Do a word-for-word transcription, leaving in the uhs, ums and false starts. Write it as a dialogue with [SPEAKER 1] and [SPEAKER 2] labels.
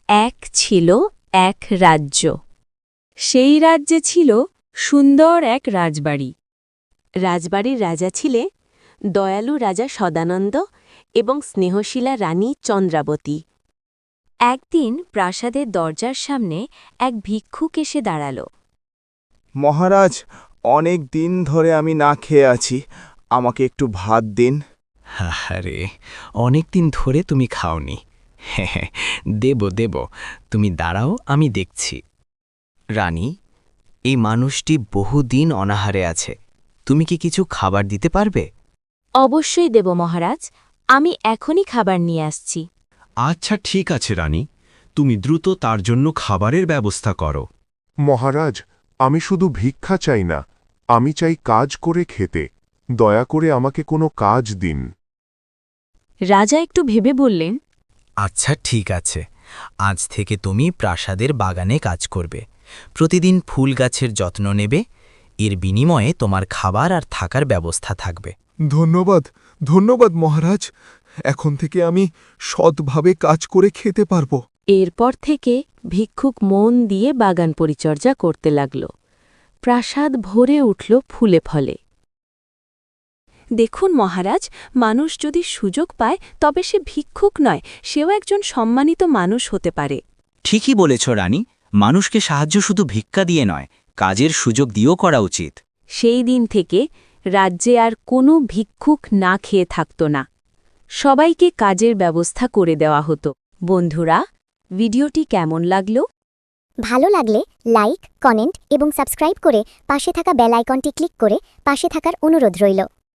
[SPEAKER 1] এক ছিল এক রাজ্য। সেই রাজ্যে ছিল সুন্দর এক রাজবাড়ি। রাজবাড়ির রাজা ছিলে দয়ালু রাজা সদানন্দ এবং স্নেহশীলা রানী চন্দ্রাবতী। একদিন প্রাসাদের দরজার সামনে এক ভিক্ষুক এসে দাঁড়াল।
[SPEAKER 2] মহারাজ, অনেক দিন ধরে আমি না খেয়ে আছি, আমাকে একটু ভাত দিন।
[SPEAKER 3] আরে অনেক দিন ধরে তুমি খাওনি। হ্যাঁ, দেব দেব, তুমি দাঁড়াও, আমি দেখছি। রানী, এই মানুষটি বহুদিন অনাহারে আছে, তুমি কি কিছু খাবার দিতে পারবে?
[SPEAKER 1] অবশ্যই দেব মহারাজ, আমি এখনই খাবার নিয়ে আসছি।
[SPEAKER 4] আচ্ছা ঠিক আছে রানী, তুমি দ্রুত তার জন্য খাবারের ব্যবস্থা করো।
[SPEAKER 5] মহারাজ, আমি শুধু ভিক্ষা চাই না, আমি চাই কাজ করে খেতে। দয়া করে আমাকে কোনো কাজ দিন।
[SPEAKER 1] রাজা একটু ভেবে বললেন,
[SPEAKER 3] আচ্ছা ঠিক আছে, আজ থেকে তুমি প্রাসাদের বাগানে কাজ করবে, প্রতিদিন ফুল গাছের যত্ন নেবে, এর বিনিময়ে তোমার খাবার আর থাকার ব্যবস্থা থাকবে।
[SPEAKER 6] ধন্যবাদ ধন্যবাদ মহারাজ, এখন থেকে আমি সৎভাবে কাজ করে খেতে পারব।
[SPEAKER 1] এরপর থেকে ভিক্ষুক মন দিয়ে বাগান পরিচর্যা করতে লাগল। প্রাসাদ ভরে উঠল ফুলে ফলে। দেখুন মহারাজ, মানুষ যদি সুযোগ পায় তবে সে ভিক্ষুক নয়, সেও একজন সম্মানিত মানুষ হতে পারে।
[SPEAKER 7] ঠিকই বলেছ রানী, মানুষকে সাহায্য শুধু ভিক্ষা দিয়ে নয়, কাজের সুযোগ দিয়েও করা উচিত।
[SPEAKER 1] সেই দিন থেকে রাজ্যে আর কোনো ভিক্ষুক না খেয়ে থাকত না। সবাইকে কাজের ব্যবস্থা করে দেওয়া হতো। বন্ধুরা, ভিডিওটি কেমন লাগল?
[SPEAKER 8] ভালো লাগলে লাইক, কমেন্ট এবং সাবস্ক্রাইব করে পাশে থাকা বেল আইকনটি ক্লিক করে পাশে থাকার অনুরোধ রইল।